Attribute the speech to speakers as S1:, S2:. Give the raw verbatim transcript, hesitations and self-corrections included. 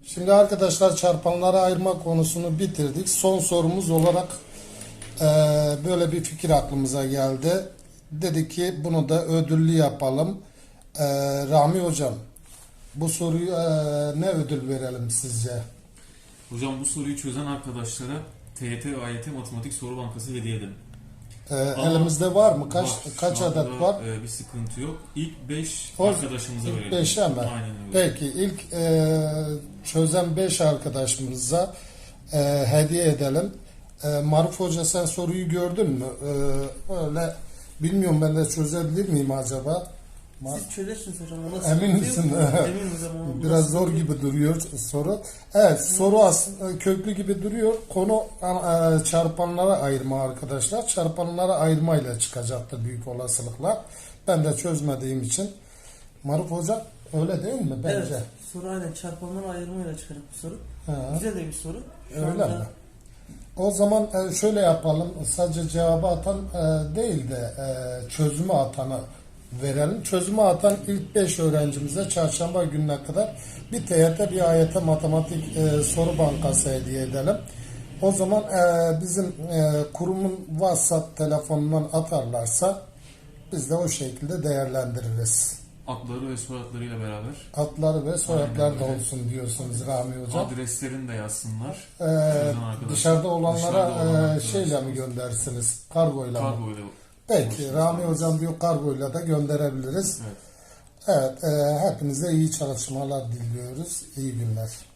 S1: Şimdi arkadaşlar çarpanlara ayırma konusunu bitirdik. Son sorumuz olarak e, böyle bir fikir aklımıza geldi. Dedik ki bunu da ödüllü yapalım. E, Rami Hocam, bu soruyu e, ne ödül verelim sizce?
S2: Hocam bu soruyu çözen arkadaşlara T Y T ve A Y T Matematik Soru Bankası hediye edelim.
S1: E, elimizde var mı? Kaç
S2: Var.
S1: kaç
S2: Şu anda,
S1: adet var?
S2: e, bir sıkıntı yok. İlk beş
S1: O-
S2: arkadaşımıza
S1: İlk
S2: verelim.
S1: beşe mi?
S2: Aynen öyle.
S1: Peki ilk e, çözen beş arkadaşımıza e, hediye edelim. E, Maruf Hoca, sen soruyu gördün mü? E, öyle bilmiyorum, ben de çözebilir miyim acaba? Mar-
S3: Siz çözersiniz hocam. O nasıl
S1: Emin
S3: bir-
S1: misin?
S3: Eminim hocam. o
S1: Biraz
S3: nasıl
S1: zor
S3: bir-
S1: gibi duruyor soru. Evet, soru aslında köklü gibi duruyor. Konu e, çarpanlara ayırma arkadaşlar. Çarpanlara ayırmayla çıkacaktır büyük olasılıkla. Ben de çözmediğim için. Maruf Hoca, öyle değil mi bence?
S3: Evet. Soru aynen çarpanlara ayırmayla çıkarıp bu soru.
S1: Ha,
S3: Güzel de bir soru. Şu
S1: öyle
S3: anda-
S1: mi? O zaman e, şöyle yapalım. Sadece cevabı atan e, değil de e, çözümü atanı verelim. Çözümü atan ilk beş öğrencimize çarşamba gününe kadar bir T Y T, bir A Y T matematik e, soru bankası hediye edelim. O zaman e, bizim e, kurumun WhatsApp telefonundan atarlarsa biz de o şekilde değerlendiririz.
S2: Adları ve soyadlarıyla beraber
S1: Adları ve soyadlar
S2: Aynen
S1: da
S2: öyle.
S1: olsun diyorsunuz Rami Hocam.
S2: adreslerini de yazsınlar.
S1: Ee,
S2: Çözen arkadaşlar.
S1: dışarıda olanlara
S2: Dışarıda olan
S1: e,
S2: arkadaşlar.
S1: şeyle mi göndersiniz? Kargoyla mı?
S2: Kargoyla.
S1: Peki Rami Hocam diyor, kargoyla da gönderebiliriz.
S2: Evet.
S1: Evet, e, hepinize iyi çalışmalar diliyoruz. İyi günler.